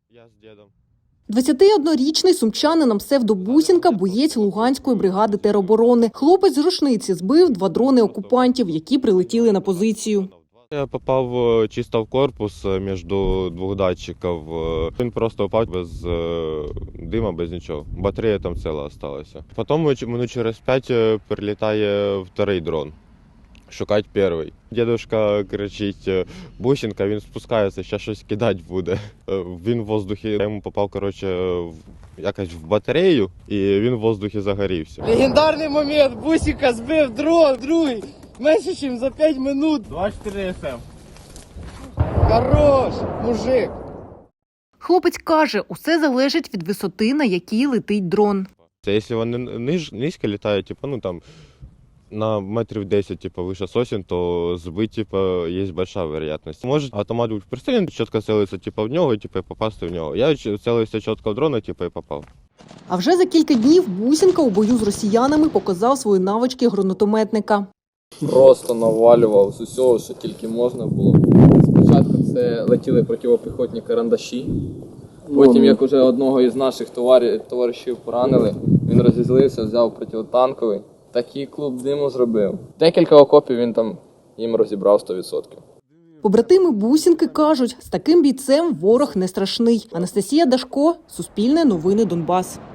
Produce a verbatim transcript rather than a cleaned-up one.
Я з дідом. двадцятиоднорічний сумчанин на псевдо Бусінка – боєць Луганської бригади тероборони. Хлопець з рушниці збив два дрони окупантів, які прилетіли на позицію. Я попав чисто в корпус між двох датчиків. Він просто впав без дима, без нічого. Батарея там ціла залишилася. Потім минут через п'ять прилітає вторий дрон. Шукати перший. Дідушка кричить: Бусінка, він спускається, ще щось кидати буде. Він в воздухі, я йому попав, коротше, якось в батарею, і він в воздухі загорівся. Легендарний момент, Бусінка збив дрон, другий, менше, ніж за п'ять минут. двадцять чотири ес ем. Хорош, мужик. Хлопець каже, усе залежить від висоти, на якій летить дрон. Це якщо вони ниж, низько літають, типу, ну там, на метрів десять, типу, вище сосен, то збити, типу, є велика вероятність. Може автомат бути пристріляний, чітко цілитися, типу, в нього, типу, і попасти в нього. Я цілився чітко в дрона, типу, і попав. А вже за кілька днів Бусінка у бою з росіянами показав свої навички гранатометника. Просто навалював з усього, що тільки можна було. Спочатку це летіли протипіхотні карандаші. Потім, як уже одного із наших товаришів, товаришів поранили, він розізлився, взяв протитанковий. Такий клуб диму зробив. Декілька окопів він там їм розібрав сто відсотків. Побратими Бусінки кажуть, з таким бійцем ворог не страшний. Анастасія Дашко, Суспільне новини Донбас.